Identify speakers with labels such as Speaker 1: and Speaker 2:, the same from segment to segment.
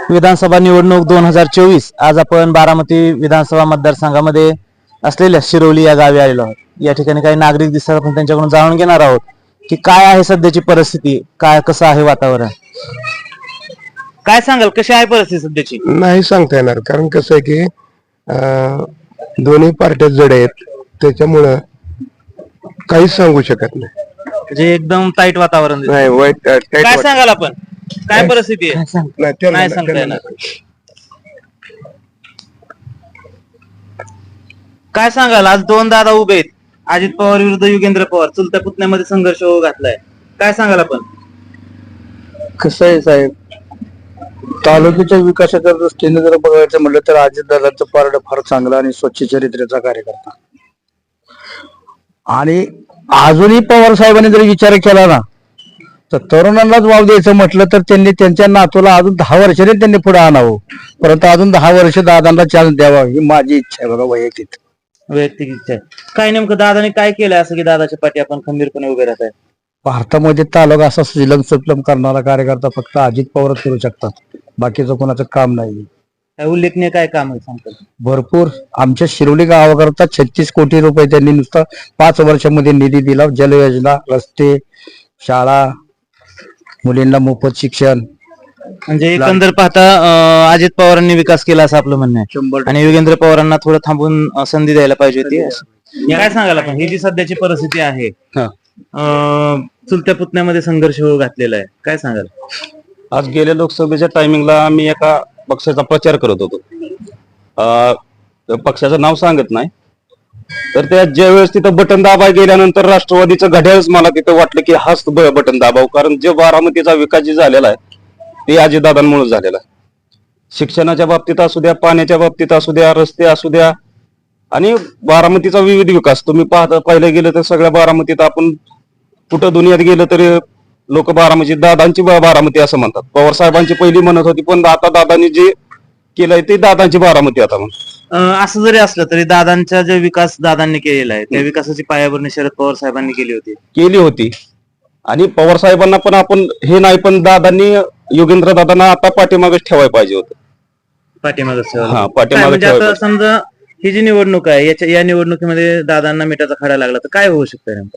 Speaker 1: विधानसभा निवडणूक 2024 आज आपण बारामती विधानसभा मतदारसंघामध्ये असलेल्या शिरोली या गावी आलेलो आहोत. या ठिकाणी काही नागरिक दिसतात, आपण त्यांच्याकडून जाणून घेणार आहोत की काय आहे सध्याची परिस्थिती, काय कसं आहे वातावरण. काय सांगाल, कशी आहे परिस्थिती सध्याची?
Speaker 2: नाही सांगता येणार, कारण कसं आहे की दोन्ही पार्ट्या जड आहेत, त्याच्यामुळं काहीच सांगू शकत नाही.
Speaker 1: म्हणजे एकदम टाईट वातावरण दिसतंय.
Speaker 2: नाही वाईट
Speaker 1: काय सांगाल आपण, काय परिस्थिती आहे? नाही सांगता येणार. काय सांगाल, आज दोन दादा उभे आहेत, अजित पवार विरुद्ध युगेंद्र पवार, चुलत्या पुतण्यामध्ये संघर्ष होऊ घातलाय. काय सांगाल आपण?
Speaker 2: कसं आहे साहेब, तालुक्याच्या विकासाच्या दृष्टीने जर बघायचं म्हटलं तर अजितदादांचं पारड फार चांगला आणि स्वच्छ चरित्र्याचा कार्यकर्ता. आणि अजूनही पवार साहेबांनी जर विचार केला ना, तर तरुणांनाच वाव द्यायचं म्हटलं तर त्यांनी त्यांच्या नातूला अजून 10 वर्षांनी त्यांनी पुढे आणावं, परंतु अजून 10 वर्ष दादांना चान्स द्यावा ही माझी इच्छा आहे बघा, वैयक्तिक
Speaker 1: इच्छा आहे. काय नेमकं दादाने काय केलंय असं की दादाच्या पाठी आपण खंबीरपणे उभे राहत आहे?
Speaker 2: भारतामध्ये तालुका असा सुजलम सुफलम करणारा कार्यकर्ता फक्त अजित पवारच करू शकतात, बाकीचं कोणाचं काम नाही.
Speaker 1: काय उल्लेखनीय काय काम आहे सांगतात?
Speaker 2: भरपूर. आमच्या शिरोली गावाकरता 36 कोटी रुपये त्यांनी नुसतं 5 वर्षामध्ये निधी दिला. जलयोजना, रस्ते, शाळा, मुलींना मोफत शिक्षण.
Speaker 1: म्हणजे एकंदर पाहता अजित पवारांनी विकास केला असं आपलं म्हणणं आहे,
Speaker 2: 100.
Speaker 1: आणि युगेंद्र पवारांना थोडं थांबून संधी द्यायला पाहिजे होती. काय सांगाल आपण, ही जी सध्याची परिस्थिती आहे, चुलत्या पुतण्यामध्ये संघर्ष होऊ घातलेला आहे, काय सांगाल?
Speaker 3: आज गेल्या लोकसभेच्या टायमिंगला आम्ही एका पक्षाचा प्रचार करत होतो. पक्षाचं नाव सांगत नाही, तर त्या ज्यावेळेस तिथं बटन दाबाय गेल्यानंतर राष्ट्रवादीचं घड्याळच मला तिथं वाटलं की हाच बटन दाबाव, कारण जे बारामतीचा विकास जे झालेला आहे ते अजितदादांमुळे झालेला आहे. शिक्षणाच्या बाबतीत असू द्या, पाण्याच्या बाबतीत असू द्या, रस्ते असू द्या, आणि बारामतीचा विविध विकास तुम्ही पाहिलं गेलं तर सगळ्या बारामतीत आपण कुठं दुनियात गेलं तरी लोक बारामती दादांची बारामती असं म्हणतात. पवार साहेबांची पहिली म्हणत होती, पण आता दादांनी जे केलंय ते दादांची बारामती आता म्हणतात.
Speaker 1: असं जरी असलं तरी दादांचा जो विकास दादांनी केलेला आहे त्या विकासाची पायाभरणी शरद पवार साहेबांनी केली होती.
Speaker 3: आणि पवार साहेबांना पण आपण हे नाही, पण दादांनी योगेंद्र दादांना आता पाठीमागच ठेवायला पाहिजे होतं.
Speaker 1: पाठीमागे म्हणजे आता समजा ही जी निवडणूक आहे, या निवडणुकीमध्ये दादांना मिठाचा खडा लागला तर काय होऊ शकतं नेमकं?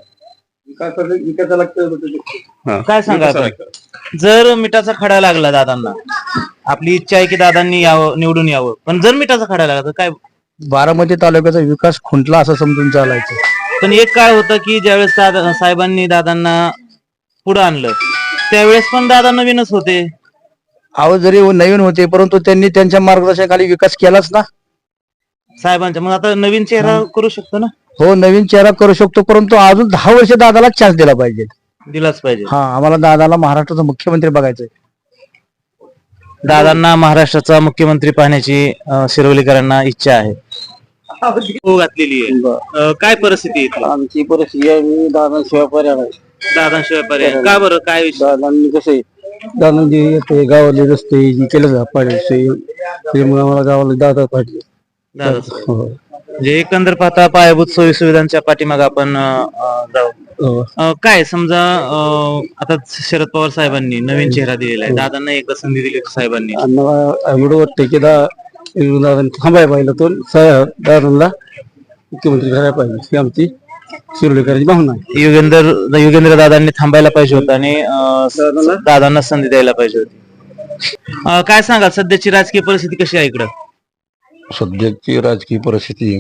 Speaker 1: काय सांगा आपण, जर मिठाचा खडा लागला दादांना, आपली इच्छा आहे की दादांनी यावं, निवडून यावं, पण जर मिठाचा खडा लागला तर काय?
Speaker 2: बारामती तालुक्याचा विकास खुंटला असं समजून चालायचं.
Speaker 1: पण एक काळ होतं की ज्यावेळेस साहेबांनी दादांना पुढे आणलं त्यावेळेस पण दादा नवीनच होते.
Speaker 2: अहो जरी नवीन होते, परंतु त्यांनी त्यांच्या मार्गदर्शनाखाली विकास केलाच ना
Speaker 1: साहेबांच्या. मग आता नवीन चेहरा करू शकतो ना?
Speaker 2: हो, नवीन चेहरा करू शकतो, परंतु अजून 10 वर्ष दादाला चान्स दिला पाहिजे.
Speaker 1: दिलाच पाहिजे.
Speaker 2: हा, आम्हाला दादाला महाराष्ट्राचा मुख्यमंत्री बघायचंय.
Speaker 1: दादांना महाराष्ट्राचा मुख्यमंत्री पाहण्याची शिरोलीकरांना इच्छा आहे, घातलेली आहे. काय परिस्थिती आहे
Speaker 2: आमची परिस्थिती दादांशिवाय पर्याय नाही.
Speaker 1: दादांशिवाय पर्याय का बरं? काय विषय?
Speaker 2: दादांनी कसं दादांनी येते गावाले रस्ते केलं पाहिजे, त्यामुळे आम्हाला गावाला दादा पाहिजे.
Speaker 1: म्हणजे एकंदर पाहता पायाभूत सोयी सुविधांच्या पाठीमागे आपण जाऊ. काय समजा आता शरद पवार साहेबांनी नवीन चेहरा दिलेला आहे, दादांना एकदा संधी दिली साहेबांनी,
Speaker 2: एवढं वाटतं की दादांनी थांबायला पाहिजे, तो दादांना मुख्यमंत्री करायला पाहिजे ही आमची शिरोलीकरांची भावना आहे.
Speaker 1: युगेंद्र दादांनी थांबायला पाहिजे होतं आणि दादांना संधी द्यायला पाहिजे होती. काय सांगाल, सध्याची राजकीय परिस्थिती कशी आहे इकडं?
Speaker 4: सध्याची राजकीय परिस्थिती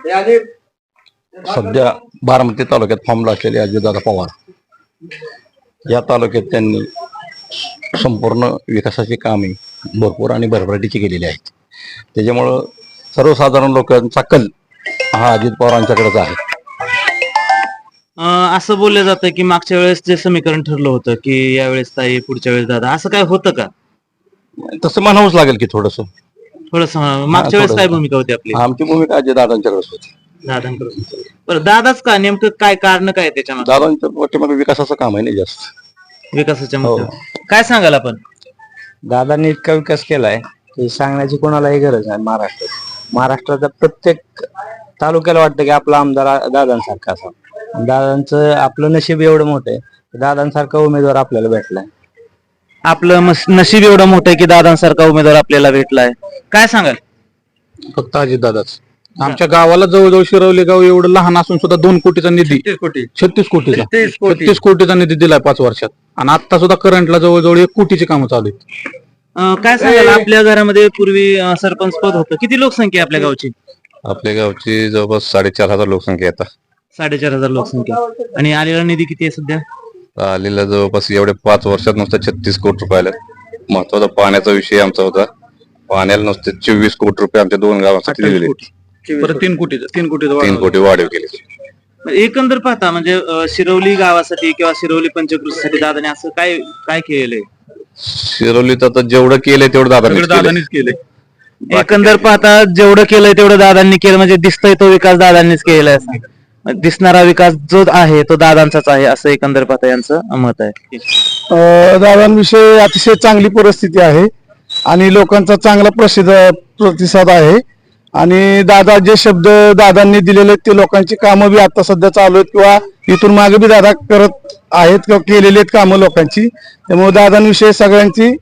Speaker 4: सध्या बारामती तालुक्यात फॉर्मला असलेले अजितदादा पवार या तालुक्यात त्यांनी संपूर्ण विकासाची कामे भरपूर आणि भरभराटीची केलेली आहेत. त्याच्यामुळं सर्वसाधारण लोकांचा कल हा अजित पवारांच्याकडेच आहे.
Speaker 1: असं बोललं जातं की मागच्या वेळेस जे समीकरण ठरलं होतं की यावेळेस ताई पुढच्या वेळेस दादा, असं काय होतं का?
Speaker 4: तसं म्हणावंच लागेल की थोडस
Speaker 1: मागच्या वेळेस काय भूमिका होती आपली?
Speaker 4: आमची भूमिका अजित दादांच्याकडेच होती.
Speaker 1: दादांकडे. बरं, दादाच का नेमकं, काय कारण काय त्याच्यामध्ये?
Speaker 4: दादांच्या पाठीमागे विकासाचं काम आहे ना जास्त,
Speaker 1: विकासाच्या मुद्द्यावर काय सांगाल आपण?
Speaker 5: दादांनी इतका विकास केलाय की सांगण्याची कोणालाही गरज नाही. महाराष्ट्राच्या प्रत्येक तालुक्याला वाटतं की आपला आमदार दादांसारखा असावा. दादांचं आपलं नशीब एवढं मोठं आहे, दादांसारखा उमेदवार आपल्याला भेटलाय.
Speaker 1: आपलं नशीब एवढं मोठं आहे की दादांसारखा उमेदवार आपल्याला भेटलाय. काय सांगाल?
Speaker 6: फक्त अजितदादाच. आमच्या गावाला जवळजवळ शिरवली गाव एवढं लहान असून सुद्धा 2 कोटीचा निधी 36 कोटीचा निधी दिलाय 5 वर्षात. आणि आता सुद्धा करंटला जवळजवळ 1 कोटीची कामं चालू आहेत.
Speaker 1: काय सांगाल? आपल्या घरामध्ये पूर्वी सरपंच पद होतं. किती लोकसंख्या आहे आपल्या गावची?
Speaker 3: आपल्या गावची जवळपास 4,500 लोकसंख्या येतात.
Speaker 1: 4,500 लोकसंख्या. आणि आलेला निधी किती आहे सध्या?
Speaker 3: आलेला जवळपास एवढे 5 वर्षात नुसतं 36 कोटी रुपयाला. महत्वाचा पाण्याचा विषय आमचा होता. पाण्याला नुसते 24 कोटी रुपये आमच्या 2 गावांसाठी दिलेले.
Speaker 6: परत 3 कोटीचा 3
Speaker 3: 3 कोटी वाढीव केले.
Speaker 1: एकंदर पाहता म्हणजे शिरवली गावासाठी किंवा शिरवली पंचकृषीसाठी दादाने असं काय काय केलंय?
Speaker 3: शिरवलीत आता जेवढं केलंय तेवढं
Speaker 6: दादानीच केले.
Speaker 1: एकंदर पाहता जेवढं केलंय तेवढं दादांनी केलं, म्हणजे दिसतोय तो विकास दादांनीच केलेला आहे. दिसणारा विकास जो आहे तो दादांचाच आहे असं एकंदर पाहता यांचं मत आहे.
Speaker 2: दादांविषयी अतिशय चांगली परिस्थिती आहे आणि लोकांचा चांगला प्रतिसाद आहे. आणि दादा जे शब्द दादांनी दिलेले ते लोकांची कामं बी आता सध्या चालू आहेत किंवा इथून मागे बी दादा करत आहेत किंवा केलेली आहेत कामं लोकांची. त्यामुळे दादांविषयी सगळ्यांची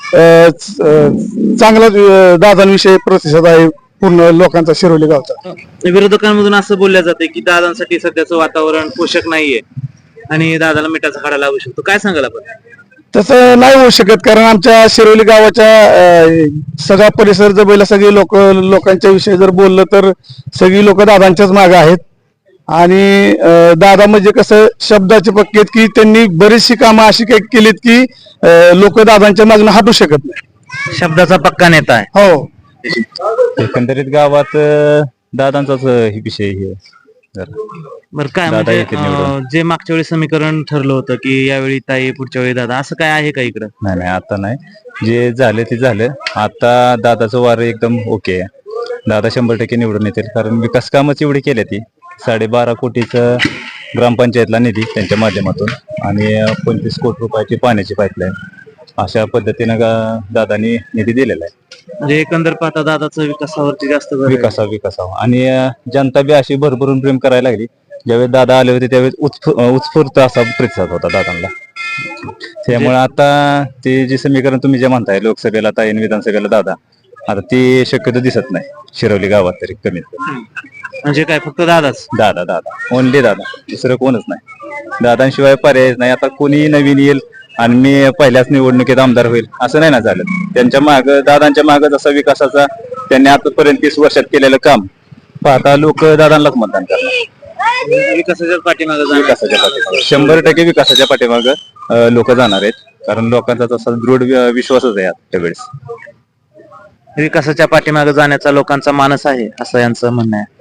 Speaker 2: चांगला दादांविषयी प्रतिसाद आहे पूर्ण लोकांचा शिरोली गावचा.
Speaker 1: विरोधकांमधून असं बोललं जाते की दादांसाठी सध्याचं वातावरण पोषक नाहीये आणि दादाला मिठाचा खाडा लागू शकतो. काय सांगाल आपण?
Speaker 2: तसं नाही होऊ शकत, कारण आमच्या शिरोली गावाच्या सगळा परिसर जर बैल सगळी लोकांच्या विषयी जर बोललं तर सगळी लोक दादांच्याच मागे आहेत. आणि दादा म्हणजे कसं शब्दाचे पक्के आहेत की त्यांनी बरीचशी कामं अशी काही केलीत की लोक दादांच्या मागून हटू शकत नाही.
Speaker 1: शब्दाचा पक्का नेता आहे.
Speaker 2: हो,
Speaker 5: एकंदरीत गावात दादांचाच विषय हे.
Speaker 1: बरं काय म्हणजे जे मागच्या वेळी समीकरण ठरलं होतं की यावेळी ताई पुढच्या वेळी दादा, असं काय आहे का इकडं?
Speaker 5: नाही आता नाही, जे झालं ते झालं. आता दादाचं वार एकदम ओके आहे. दादा 100% निवडून येतील, कारण विकास कामच एवढी केली ती. 12.5 कोटीचं ग्रामपंचायतला निधी त्यांच्या माध्यमातून आणि 25 कोटी रुपयाची पाण्याची पाईपलाईन, अशा पद्धतीनं दादानी निधी दिलेला आहे.
Speaker 1: म्हणजे एकंदर पाहता दादाचं विकासावरती जास्त भर आहे.
Speaker 5: विकासावर आणि जनता बी अशी भरभरून प्रेम करायला लागली. ज्यावेळेस दादा आले होते त्यावेळेस उत्स्फूर्त असा प्रतिसाद होता दादांना. त्यामुळे आता ते जे समीकरण तुम्ही जे म्हणताय लोकसभेला ताई आणि विधानसभेला दादा, आता ते शक्यतो दिसत नाही शिरवली गावात तरी कमीत कमी.
Speaker 1: म्हणजे काय फक्त दादाच?
Speaker 5: दादा ओनली दादा, दुसरं कोणच नाही. दादांशिवाय पर्यायच नाही. आता कोणी नवीन येईल आणि मी पहिल्याच निवडणुकीत आमदार होईल असं नाही ना झालं. त्यांच्या माग दादांच्या माग जसा विकासाचा त्यांनी आतापर्यंत 30 वर्षात केलेलं काम पाहता लोक दादांनाच मतदान करणार.
Speaker 1: विकासाच्या पाठीमागे
Speaker 5: 100% विकासाच्या पाठीमाग लोक जाणार आहेत, कारण लोकांचा तसा दृढ विश्वासच आहे त्यावेळेस.
Speaker 1: विकासाच्या पाठीमागे जाण्याचा लोकांचा मानस आहे असं यांचं म्हणणं आहे.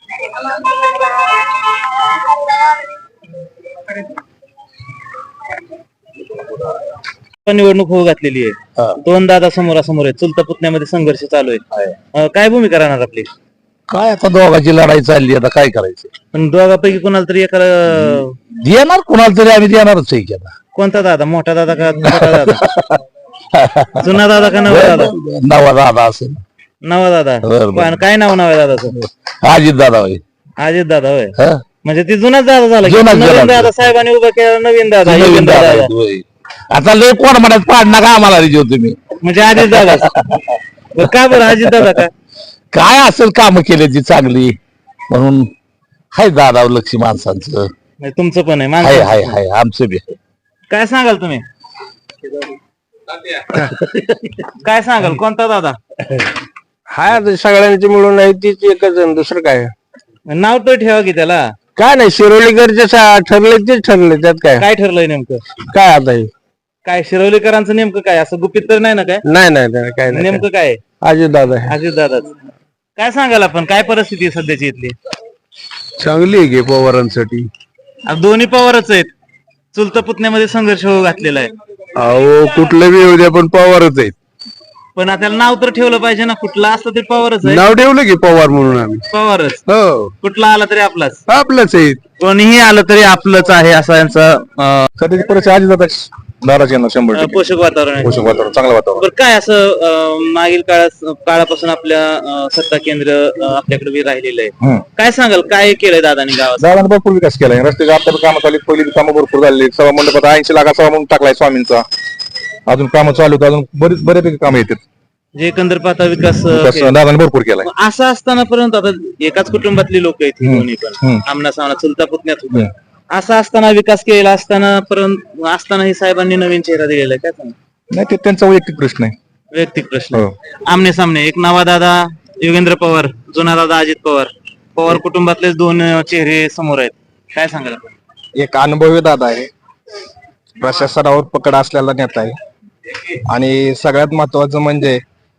Speaker 1: निवडणूक होऊ घातलेली आहे. 2 दादा समोरासमोर आहेत. चुलता पुतण्यामध्ये संघर्ष चालू आहे. काय भूमिका राहणार आपली?
Speaker 2: काय आता दोघांची लढाई चालली, आता काय करायचं?
Speaker 1: पण दोघांपैकी कोणाला तरी एकाला
Speaker 2: देणार, कोणाला तरी आम्ही देणारच आहे की. आता
Speaker 1: कोणता दादा? मोठा दादा का छोटा दादा? जुना दादा का नवा दादा?
Speaker 2: नवा दादा असेल.
Speaker 1: नवा दादा. पण काय नाव आहे दादाचं?
Speaker 2: अजित दादा होय.
Speaker 1: अजित दादा होय.
Speaker 2: हं?
Speaker 1: म्हणजे ती जुनाच दादा झाला की?
Speaker 2: जुनाच
Speaker 1: नवीन
Speaker 2: दादा.
Speaker 1: दादा साहेबांनी उभा केला नवीन दादा.
Speaker 2: नवीन
Speaker 1: नवीन
Speaker 2: दादा
Speaker 1: दादा
Speaker 2: होय. आता लय कोण म्हणत पाडणार का आम्हाला रिजो तुम्ही?
Speaker 1: म्हणजे अजित दादा. का बरं अजित दादा का?
Speaker 2: काय असेल काम केले ती चांगली म्हणून हाय दादा लक्ष्मी माणसांचं.
Speaker 1: म्हणजे तुमचं पण आहे
Speaker 2: हाय
Speaker 1: माणसं.
Speaker 2: हाय हाय आमचं बी आहे.
Speaker 1: काय सांगाल तुम्ही? काय सांगाल? कोणता दादा?
Speaker 6: हाय सगळ्यांची मिळून आहे तीच एकच जण, दुसरं काय
Speaker 1: नाव तर ठेवा की त्याला.
Speaker 6: काय नाही. शिरोलीकरचे ठरले तेच ठरले, त्यात काय
Speaker 1: काय ठरलंय नेमकं?
Speaker 6: काय आता हे?
Speaker 1: काय शिरवलीकरांचं नेमकं काय? असं गुपित तर नाही ना काय?
Speaker 6: नाही काय नाही.
Speaker 1: नेमकं काय आहे?
Speaker 6: अजित दादा
Speaker 1: अजित दादाच. काय सांगाल आपण? काय परिस्थिती आहे सध्याची इथली?
Speaker 6: चांगली आहे की पवारांसाठी.
Speaker 1: आता दोन्ही पवारच आहेत. चुलता पुतण्यामध्ये संघर्ष होऊ घातलेला आहे.
Speaker 6: अहो कुठलं बी येऊ द्या पण पवारच आहेत.
Speaker 1: पण आता त्याला नाव तर ठेवलं पाहिजे ना. कुठला असलं तरी पवारच आहे.
Speaker 6: नाव ठेवलं की पवार म्हणून आम्ही.
Speaker 1: पवारच.
Speaker 6: हो
Speaker 1: कुठला आला तरी आपलाच.
Speaker 6: आपलंच आहेत.
Speaker 1: कोणीही आलं तरी आपलंच आहे असं यांचं
Speaker 3: सध्याची परिस्थिती अजित दादाची 100%
Speaker 1: पोषक वातावरण आहे.
Speaker 3: वातावरण चांगलं वातावरण.
Speaker 1: बरं काय असं मागील काळापासून आपल्या सत्ता केंद्र आपल्याकडे बी राहिलेलं आहे. काय सांगाल? काय केलंय दादानी गावात?
Speaker 3: दादाने भरपूर विकास केलाय. रस्त्याच्या आता कामं चालू, पहिली कामं भरपूर झाली. सभा मंडपात 80 लाखाचा सभा म्हणून टाकलाय स्वामींचा.
Speaker 7: अजून कामं चालू आहेत, अजून बऱ्यापैकी कामं येतात.
Speaker 1: जे एकंदर पाहता विकास
Speaker 7: दादाने भरपूर केलाय.
Speaker 1: असं असताना पर्यंत आता एकाच कुटुंबातली लोक आहेत ही दोन्ही पण आमना सामना चुलता पुतण्यात होतं. असं असताना विकास केलेला असतानाही साहेबांनी नवीन चेहरा दिलेला आहे, काय सांगा?
Speaker 7: नाही, ते त्यांचा वैयक्तिक प्रश्न आहे.
Speaker 1: वैयक्तिक प्रश्न. आमने सामने एक नवा दादा योगेंद्र पवार, जुना दादा अजित पवार कुटुंबातले दोन चेहरे समोर आहेत, काय सांगाल आपण?
Speaker 7: एक अनुभवी दादा आहे, प्रशासनावर पकड असलेला नेता आहे आणि सगळ्यात महत्वाचं म्हणजे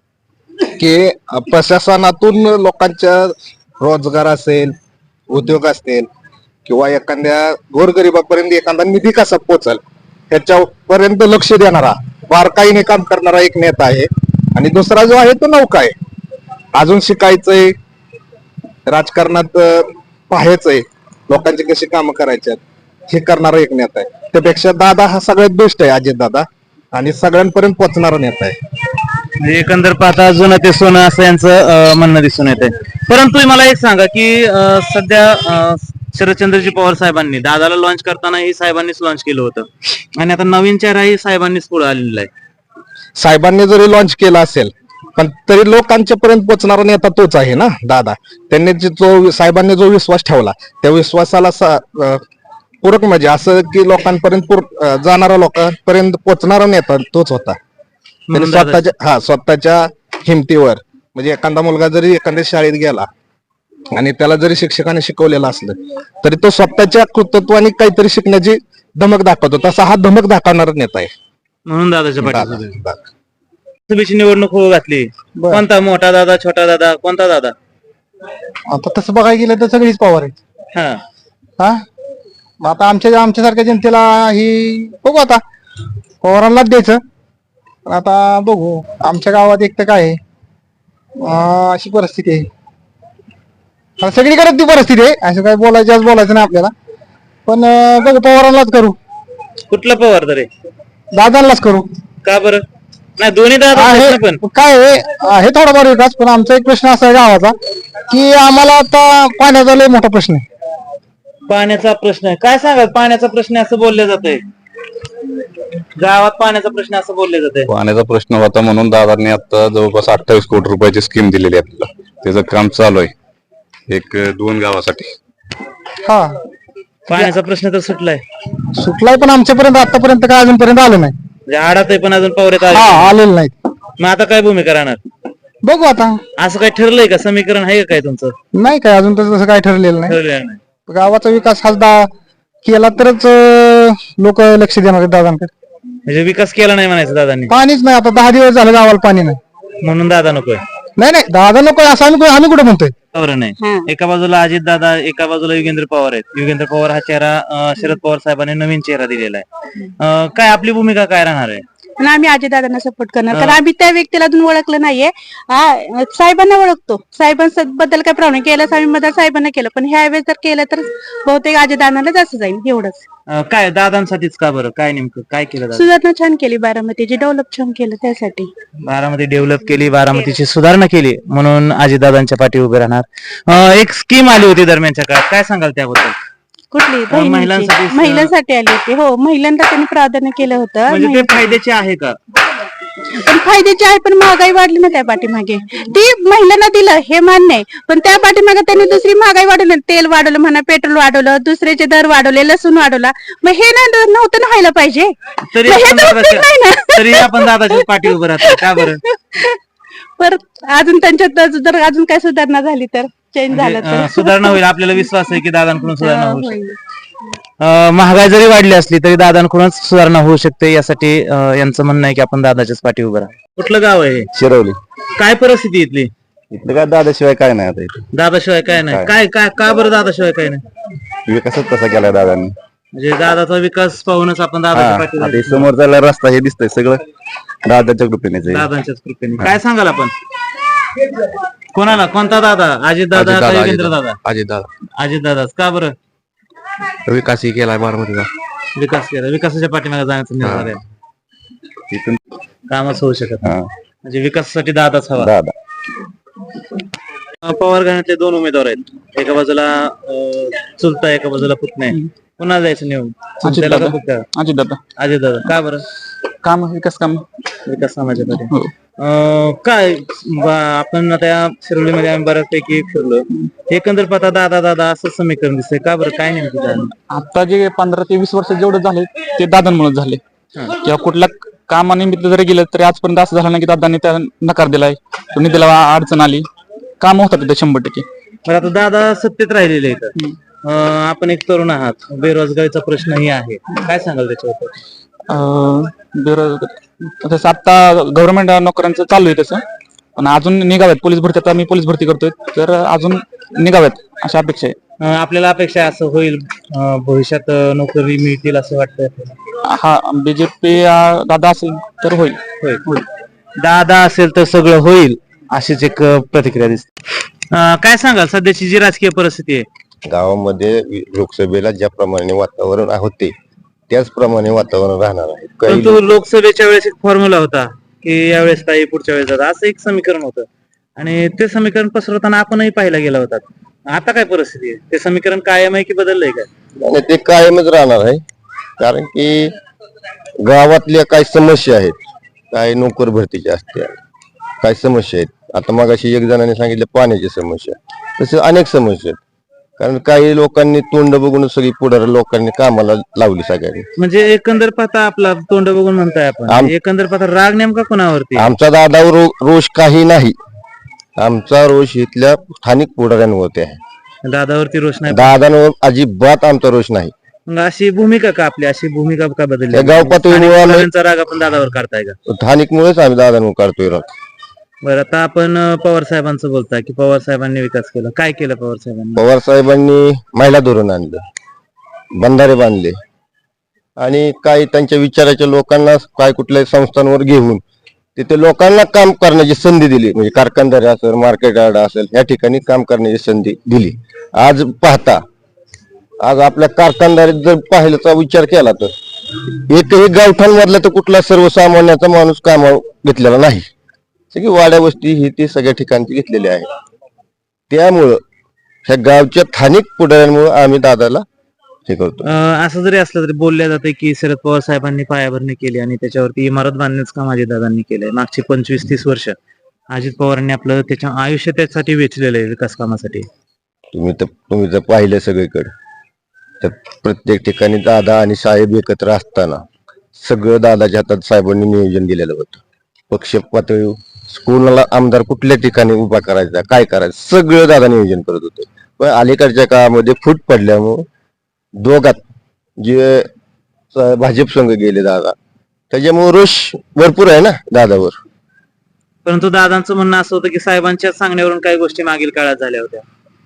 Speaker 7: की प्रशासनातून लोकांच्या रोजगार असेल, उद्योग असतील किंवा एखाद्या गोरगरिबापर्यंत एखादा निधी कसा पोहोचल ह्याच्यापर्यंत लक्ष देणारा, बारकाईने काम करणारा एक नेता आहे. आणि दुसरा जो आहे तो नौका आहे, अजून शिकायचंय, राजकारणात पाहायचंय, लोकांची कशी कामं करायची हे करणारा एक नेता आहे. त्यापेक्षा दादा हा सगळ्यात बेस्ट आहे, अजित दादा, आणि सगळ्यांपर्यंत पोहोचणारा नेता आहे.
Speaker 1: म्हणजे एकंदर पाहता जुनं ते सोनं असं यांचं म्हणणं दिसून येते. परंतु मला एक सांगा की सध्या शरदचंद्रजी पवार साहेबांनी दादाला लॉन्च करताना ही साहेबांनीच लॉन्च केलं होतं आणि आता नवीन चेहराही साहेबांनीच पुढे आलेला आहे.
Speaker 7: साहेबांनी जरी लॉन्च केला असेल पण तरी लोकांच्या पर्यंत पोहोचणारा नेता तोच आहे ना दादा. त्यांनी साहेबांनी जो विश्वास ठेवला त्या विश्वासाला पूरक म्हणजे असं की लोकांपर्यंत जाणारा, लोकांपर्यंत पोहोचणारा नेता तोच होता. त्यांनी स्वतःच्या हिमतीवर, म्हणजे एखादा मुलगा जरी एखाद्या शाळेत गेला आणि त्याला जरी शिक्षकाने शिकवलेलं असलं तरी तो स्वतःच्या कृतत्वाने काहीतरी शिकण्याची धमक दाखवतो. तसा हा धमक दाखवणारा नेता आहे.
Speaker 1: म्हणून दादाच्या पाठीशी लोकसभेची निवडणूक होऊ घातली, कोणता मोठा दादा, छोटा दादा, कोणता दादा?
Speaker 2: आता तसं बघायला गेलं तर सगळीच पवार आहेत.
Speaker 1: हा
Speaker 2: मग आता आमच्यासारख्या जनतेला ही बघू, आता पवारांनाच द्यायचं. पण आता बघू, आमच्या गावात एक तर काय आहे, अशी परिस्थिती आहे, आता सगळीकडे ती परिस्थिती आहे, असं काय बोलायचं नाही आपल्याला. पण बघू, पवारांनाच करू,
Speaker 1: कुठला पवार तरी
Speaker 2: दादांनाच करू.
Speaker 1: का बरं? नाही, दोन्ही दादा
Speaker 2: आहे
Speaker 1: पण
Speaker 2: काय आहे थोडाफार विकास, पण आमचा एक प्रश्न असा आहे गावाचा की आम्हाला आता पाण्याचा लय मोठा प्रश्न आहे.
Speaker 1: पाण्याचा प्रश्न आहे, काय सांगा? पाण्याचा प्रश्न असं बोलले जाते गावात, पाण्याचा प्रश्न असं बोलले जाते.
Speaker 3: पाण्याचा प्रश्न होता म्हणून दादांनी आता जवळपास 28 कोटी रुपयाची स्कीम दिलेली आहे आपल्याला. त्याचं काम चालू आहे 1-2 गावासाठी.
Speaker 2: हा,
Speaker 1: पाण्याचा प्रश्न तर सुटलाय,
Speaker 2: सुटलाय, पण आमच्यापर्यंत आतापर्यंत काय अजूनपर्यंत आलं नाही.
Speaker 1: म्हणजे आडात आहे पण अजून पावरेत आले.
Speaker 2: आलेलं नाही.
Speaker 1: मग आता काय भूमिका राहणार?
Speaker 2: बघू आता,
Speaker 1: असं काय ठरलंय का? समीकरण आहे का काय तुमचं?
Speaker 2: नाही काय अजून तसं काय ठरलेलं नाही.
Speaker 1: ठरलेलं नाही.
Speaker 2: गावाचा विकास हा केला तरच लोक लक्ष देणार आहेत दादांकडे.
Speaker 1: म्हणजे विकास केला नाही म्हणायचं दादांनी,
Speaker 2: पाणीच नाही. आता 10 दिवस झाले गावाला पाणी नाही.
Speaker 1: म्हणून दादा नकोय?
Speaker 2: नाही दादा नको असं आम्ही कुठे म्हणतोय.
Speaker 1: बरोबर नाही. एका बाजूला अजित दादा, एका बाजूला योगेंद्र पवार आहेत. योगेंद्र पवार हा चेहरा शरद पवार साहेबांनी नवीन चेहरा दिलेला आहे. काय आपली भूमिका काय राहणार आहे?
Speaker 8: पण आम्ही अजितदादांना सपोर्ट करणार, कारण आम्ही त्या व्यक्तीला अजून ओळखलं नाहीये. साहेबांना ओळखतो, साहेबांबद्दल काय प्रॉब्लेम केला आम्ही साहेबांना केलं, पण ह्या वेळेस जर केलं तर बहुतेक अजितदादांनाच असं जाईल. एवढंच.
Speaker 1: काय दादांसाठीच का बरं? काय नेमकं काय केलं?
Speaker 8: सुधारणा छान केली, बारामतीची डेव्हलप छान केलं, त्यासाठी
Speaker 1: बारामती डेव्हलप केली, बारामतीची सुधारणा केली म्हणून अजितदादांच्या पाठी उभे राहणार. एक स्कीम आली होती दरम्यानच्या काळात, काय सांगाल त्याबद्दल?
Speaker 8: कुठली? महिलांसाठी आली होती. हो, महिलांना त्यांनी प्राधान्य केलं होतं.
Speaker 1: म्हणजे ते फायद्याचे आहे का?
Speaker 8: पण फायद्याची आहे, पण महागाई वाढली ना त्या पाठीमागे. ती महिलांना दिलं हे मान्य आहे, पण त्या पाठीमागे त्यांनी दुसरी महागाई वाढवली. तेल वाढवलं म्हणा, पेट्रोल वाढवलं, दुसऱ्याचे दर वाढवले, लसूण वाढवला. मग हे नव्हतं ना व्हायला पाहिजे.
Speaker 1: तरी आपण दादाच्या पाठी उभं राहतो का बरं?
Speaker 8: परत अजून त्यांच्यात जर अजून काय सुधारणा झाली तर, चेंज झालं तर
Speaker 1: सुधारणा होईल. आपल्याला विश्वास आहे की दादांकडून सुधारणा होऊ शकते. महागाई जरी वाढली असली तरी दादांकडूनच सुधारणा होऊ शकते. यासाठी यांचं म्हणणं आहे की आपण दादाच्याच पाठी उभं राहा. कुठलं गाव आहे?
Speaker 3: शिरवली.
Speaker 1: काय परिस्थिती इथली?
Speaker 3: इथलं काय दादाशिवाय काय नाही आता इथे.
Speaker 1: दादाशिवाय काय नाही? काय काय का बरं दादाशिवाय काय नाही?
Speaker 3: विकासच तसा केलाय दादांनी.
Speaker 1: म्हणजे दादाचा विकास पाहूनच आपण दादाच्या पाठी
Speaker 3: आता समोरचा रस्ता हे दिसतंय सगळं दादाच्या कृपेनेच आहे.
Speaker 1: दादांच्याच कृपेने. काय सांगाल आपण? कोणाला? कोणता दादा? अजित दादा का योगेंद्र दादा?
Speaker 7: अजित दादा.
Speaker 1: अजित दादाच का बरं?
Speaker 7: विकासही केलाय बारामतीचा.
Speaker 1: विकास केला, विकासाच्या पाठीमागे जाण्याचा निर्धार आहे.
Speaker 3: इथून
Speaker 1: कामच होऊ शकत नाही. म्हणजे विकासासाठी दादाच हवा.
Speaker 3: दादा.
Speaker 1: पवार घराण्यातले 2 उमेदवार आहेत. एका बाजूला चुलता, एका बाजूला पुतणे. पुन्हा जायचं निवडून
Speaker 6: अजित
Speaker 1: त्याला
Speaker 6: दादा.
Speaker 1: का फक्त
Speaker 6: अजित दादा
Speaker 1: अजय दादा का बरं
Speaker 6: काम विकास काम
Speaker 1: विकास समाजामध्ये
Speaker 6: हो.
Speaker 1: काय आपण आता या शिरोलीमध्ये आम्ही बऱ्याचपैकी फिरलो एकंदर पाहता दादा दादा असं समीकरण दिसतंय का बरं काय नेमकं झालं?
Speaker 6: आता जे 15 ते 20 वर्ष जेवढे झाले ते दादांमुळे झाले किंवा कुठल्या कामानिमित्त जरी गेलं तरी आजपर्यंत असं झालं नाही की दादांनी त्या नकार दिलाय कोणी दिला अडचण आली काम होतात तिथे 100%.
Speaker 1: बरं आता दादा सत्तेत राहिलेले आहेत आपण एक तरुण आहात बेरोजगारीचा प्रश्नही आहे काय सांगाल त्याच्यावर?
Speaker 6: बेरोजगार तसं आता गव्हर्नमेंट नोकऱ्यांचं चालू आहे तसं पण अजून निघाव्यात पोलीस भरती आता मी पोलीस भरती करतोय तर अजून निघाव्यात अशा अपेक्षा आहे.
Speaker 1: आपल्याला अपेक्षा असं होईल भविष्यात नोकरी मिळतील असं वाटतंय आपल्याला?
Speaker 6: हा बीजेपी दादा असेल तर होईल.
Speaker 1: होईल दादा असेल तर सगळं होईल अशीच एक प्रतिक्रिया दिसते. काय सांगाल सध्याची जी राजकीय परिस्थिती आहे
Speaker 9: गावामध्ये लोकसभेला ज्याप्रमाणे वातावरण होते त्याचप्रमाणे वातावरण राहणार आहे.
Speaker 1: परंतु लोकसभेच्या वेळेस एक फॉर्म्युला होता की यावेळेस ताई पुढच्या वेळेस दादा असं एक समीकरण होतं आणि ते समीकरण पसरवताना आपणही पाहायला गेला होता. आता काय परिस्थिती आहे ते समीकरण कायम आहे की बदललंय काय?
Speaker 9: आणि ते कायमच राहणार आहे कारण की गावातल्या काही समस्या आहेत काही नोकर भरतीच्या असत्या काही समस्या आहेत. आता मगाशी एक जणांनी सांगितलं पाण्याची समस्या तसे अनेक समस्या आहेत कारण काही लोकांनी तोंड बघून सगळी पुढारी लोकांनी कामाला लावली सगळ्यांनी.
Speaker 1: म्हणजे एकंदर पाहता आपला तोंड बघून म्हणताय आपण एकंदर पाहता राग नेमका कोणावरती?
Speaker 9: आमचा दादावर रोष काही नाही आमचा रोष इथल्या स्थानिक पुढाऱ्यांवरती आहे.
Speaker 1: दादावरती रोष नाही
Speaker 9: दादांवर अजिबात आमचा रोष नाही.
Speaker 1: मग अशी भूमिका का आपली अशी भूमिका का बदलली?
Speaker 9: त्या गाव पातळीवर आम्ही
Speaker 1: त्यांचा राग आपण दादावर काढताय का?
Speaker 9: स्थानिकमुळेच आम्ही दादांवर काढतोय राग.
Speaker 1: बरं आता आपण पवार साहेबांचं बोलताय की पवार साहेबांनी विकास केला काय केलं पवार साहेबांनी?
Speaker 9: पवार साहेबांनी महिला धोरण आणलं बंधारे बांधले आणि काही त्यांच्या विचाराच्या लोकांना काय कुठल्याही संस्थांवर घेऊन तिथे लोकांना काम करण्याची संधी दिली म्हणजे कारखानदारी असेल मार्केट यार्ड असेल या ठिकाणी काम करण्याची संधी दिली. आज पाहता आज आपल्या कारखानदारीत जर पाहिल्याचा विचार केला तर एकही गावठाणमधला तर कुठला सर्वसामान्याचा माणूस कामावर घेतलेला नाही. सगळी वाड्या वस्ती ही ती सगळ्या ठिकाणची घेतलेली आहे. त्यामुळं ह्या गावच्या स्थानिक पुढाऱ्यांमुळे आम्ही दादाला हे करतो.
Speaker 1: असं जरी असलं तरी बोलल्या जाते की शरद पवार साहेबांनी पायाभरणी केली आणि त्याच्यावरती इमारत बांधण्याचं काम अजितदादांनी केलंय मागची 25-30 वर्ष अजित पवारांनी आपलं त्याच्या आयुष्य त्यासाठी वेचलेलं आहे विकास कामासाठी.
Speaker 9: तुम्ही जर पाहिलं सगळीकडे तर प्रत्येक ठिकाणी दादा आणि साहेब एकत्र असताना सगळं दादाच्या हातात साहेबांनी नियोजन दिलेलं होतं. पक्ष पातळी स्कूलला आमदार कुठल्या ठिकाणी उभा करायचा काय करायचं सगळं दादा नियोजन करत होते. पण अलीकडच्या काळामध्ये फूट पडल्यामुळे दोघात जे भाजप संघ गेले दादा त्याच्यामुळे रोष भरपूर आहे ना दादावर.
Speaker 1: परंतु दादांचं म्हणणं असं होतं की साहेबांच्या सांगण्यावरून काही गोष्टी मागील काळात झाल्या होत्या.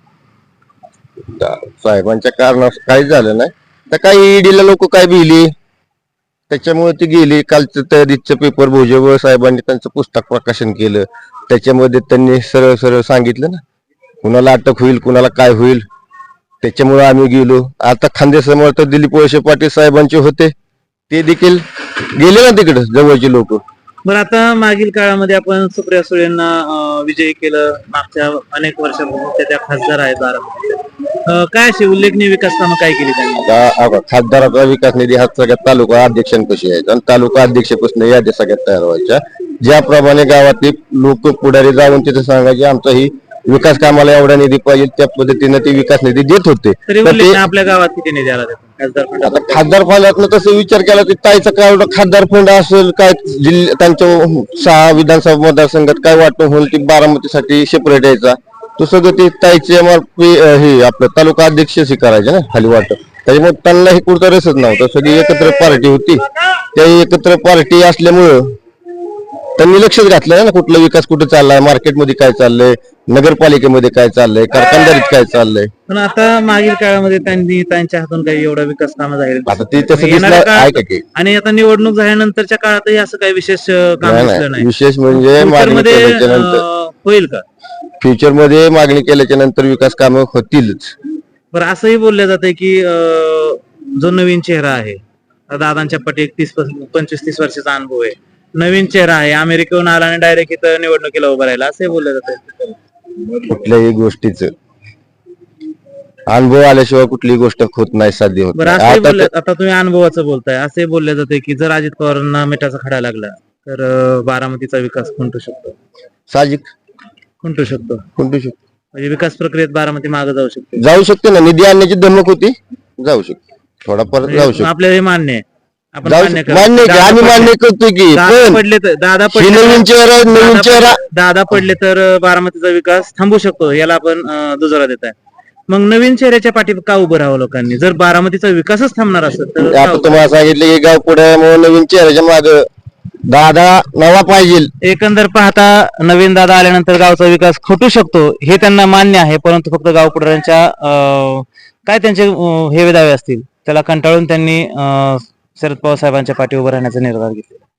Speaker 9: साहेबांच्या कारणास काही झालं नाही तर काही ईडीला लोक काय भिली त्याच्यामुळे ती गेली. कालचं त्या दिसचं पेपर भुजबळ साहेबांनी त्यांचं पुस्तक प्रकाशन केलं त्याच्यामध्ये त्यांनी सरळ सरळ सांगितलं ना कुणाला अटक होईल कुणाला काय होईल त्याच्यामुळे आम्ही गेलो. आता खांदे समर्थ दिलीप वळसे पाटील साहेबांचे होते ते देखील गेले ना तिकडे जवळचे लोक.
Speaker 1: बरं आता मागील काळामध्ये आपण सुप्रिया सुळेंना विजयी केलं मागच्या अनेक वर्षांपासून त्या खासदार आहेत बारामतीच्या काय अशी उल्लेखनीय विकास कामं काय केली त्यांनी?
Speaker 9: खासदाराचा विकास निधी हा सगळ्यात तालुका अध्यक्षांपाशी आहे आणि तालुका अध्यक्षपासून याद्या सगळ्यात तयार व्हायच्या. ज्याप्रमाणे गावातले लोक पुढारी जाऊन तिथे सांगायचे आमचा ही विकास कामाला एवढा निधी पाहिजे त्या पद्धतीने ते विकास निधी देत होते.
Speaker 1: तरी उल्लेख आपल्या गावात किती निधी आला खासदार फंड?
Speaker 9: आता खासदार फंडातनं तसं विचार केला की ताईचा काय एवढा खासदार फंड असेल काय जिल्हा त्यांच्या 6 विधानसभा मतदारसंघात काय वाटप होईल की बारामतीसाठी सेपरेट यायचा तो सगळं ते ताईचे MRP हे आपलं तालुका अध्यक्ष करायचे ना खाली वाटप. त्याच्यामुळे त्यांना हे कुठचा रसच नव्हता. सगळी एकत्र पार्टी होती त्या एकत्र पार्टी असल्यामुळं त्यांनी लक्षच घातलं ना कुठला विकास कुठे चाललाय मार्केटमध्ये काय चाललंय नगरपालिकेमध्ये काय चाललंय कारखानदारीत काय चाललंय.
Speaker 1: पण आता मागील काळामध्ये त्यांनी त्यांच्या हातून काही एवढा विकास कामं झाले
Speaker 9: आता ते तसं दिसलं आहे का की
Speaker 1: आणि आता निवडणूक झाल्यानंतरच्या काळातही असं काही विशेष काम
Speaker 9: नाही,
Speaker 1: दिसलं नाही.
Speaker 9: विशेष म्हणजे मागणी
Speaker 1: मध्ये
Speaker 9: केल्याच्या नंतर
Speaker 1: होईल का
Speaker 9: फ्युचर मध्ये मागणी केल्याच्या नंतर विकास कामं होतीलच.
Speaker 1: बरं असंही बोललं जातंय की जो नवीन चेहरा आहे दादांच्या पटी 25-30 वर्षाचा अनुभव आहे नवीन चेहरा आहे अमेरिकेहून आला आणि डायरेक्ट इथं निवडणुकीला उभं राहिला असंही बोललं जातंय.
Speaker 9: कुठल्याही गोष्टीच अनुभव आल्याशिवाय कुठलीही गोष्ट होत नाही, साध्य होत
Speaker 1: बरं
Speaker 9: नाही.
Speaker 1: असंही
Speaker 9: आता
Speaker 1: बोलले, आता तुम्ही अनुभवाचं बोलताय, असे बोलले जाते की जर अजित पवारांना मिठाचा खडा लागला तर बारामतीचा विकास खुंटू शकतो.
Speaker 9: साहजिक
Speaker 1: खुंटू शकतो
Speaker 9: खुंटू शकतो.
Speaker 1: म्हणजे विकास प्रक्रियेत बारामती मागे जाऊ शकते.
Speaker 9: जाऊ शकते ना, निधी आणण्याची धमक होती, जाऊ शकते, थोडाफार जाऊ
Speaker 1: म्हणजे
Speaker 9: शकते.
Speaker 1: आपल्याला हे मान्य आहे, आपण
Speaker 9: जाऊ
Speaker 1: मान्य
Speaker 9: शकते. मान्य आहे की आम्ही मान्य करतोय की,
Speaker 1: दादा
Speaker 9: पण
Speaker 1: पडले तर
Speaker 9: ही नवीन चेहरा नवीन चेहरा
Speaker 1: दादा पडले तर बारामतीचा विकास थांबू शकतो, याला आपण दुजोरा देत आहे. मग नवीन चेहऱ्याच्या पाठी का उभं राहावं लोकांनी? जर बारामतीचा विकासच थांबणार असेल तर का
Speaker 9: आता
Speaker 1: उभं?
Speaker 9: तुम्हाला सांगितलं की गाव पुढे नवीन चेहऱ्याच्या माग दादा नवा पाहिजे.
Speaker 1: एकंदर पाहता नवीन दादा आल्यानंतर गावचा विकास खटू शकतो हे त्यांना मान्य आहे, परंतु फक्त गावपुढाऱ्यांच्या काय त्यांचे हे दावे असतील त्याला कंटाळून त्यांनी शरद पवार साहेबांच्या पाठी उभं राहण्याचा निर्धार घेतला.